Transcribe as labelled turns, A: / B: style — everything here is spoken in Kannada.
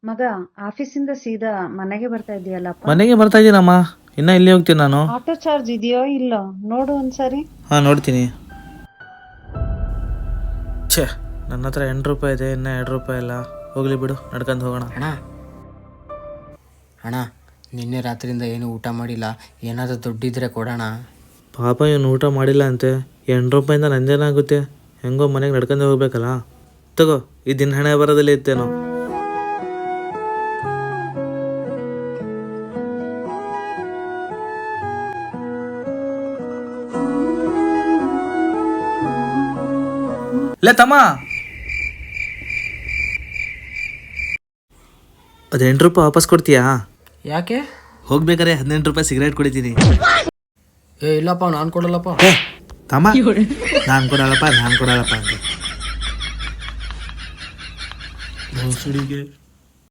A: ಮಗ, ಆಫೀಸಿಂದ ಸೀದಾ ಮನೆಗೆ ಬರ್ತಾ ಇದೆಯಲ್ಲಪ್ಪ.
B: ಮನೆಗೆ ಬರ್ತಾ ಇದ್ದೀನಮ್ಮ, ಇನ್ನ ಇಲ್ಲಿ ಹೋಗ್ತೀನಿ ನಾನು.
A: ಆಟೋ ಚಾರ್ಜ್ ಇದೆಯೋ ಇಲ್ಲೋ ನೋಡು ಒಂದ್ಸರಿ.
B: ಹಾಂ ನೋಡ್ತೀನಿ. ಛೇ, ನನ್ನ ಹತ್ರ 8 ರೂಪಾಯಿ ಇದೆ, ಇನ್ನೂ 2 ರೂಪಾಯಿ ಇಲ್ಲ. ಹೋಗ್ಲಿ ಬಿಡು, ನಡ್ಕೊಂಡು ಹೋಗೋಣ.
C: ಅಣ್ಣ ನಿನ್ನೆ ರಾತ್ರಿಯಿಂದ ಏನು ಊಟ ಮಾಡಿಲ್ಲ, ಏನಾದರೂ ದುಡ್ಡಿದ್ರೆ ಕೊಡೋಣ.
B: ಪಾಪ ಇವನು ಊಟ ಮಾಡಿಲ್ಲ ಅಂತೆ. 8 ರೂಪಾಯಿಂದ ನಂದೇನಾಗುತ್ತೆ? ಹೆಂಗೋ ಮನೆಗೆ ನಡ್ಕೊಂಡು ಹೋಗ್ಬೇಕಲ್ಲ. ತಗೋ, ಈ ದಿನ ಹಣೆ ಬರೋದಲ್ಲಿ ಇತ್ತೇನೋ. ಲೇ ತಮ್ಮ, ಅದು 8 ರೂಪಾಯಿ ವಾಪಸ್ ಕೊಡ್ತೀಯಾ?
C: ಯಾಕೆ?
B: ಹೋಗ್ಬೇಕಾರೆ 18 ರೂಪಾಯಿ ಸಿಗರೇಟ್ ಕುಡಿತೀನಿ.
C: ಇಲ್ಲಪ್ಪ, ನಾನು ಕೊಡಲ್ಲಪ್ಪ.
B: ತಮ್ಮ, ನಾನು ಕೊಡಲ್ಲಪ್ಪ ಅಂತ.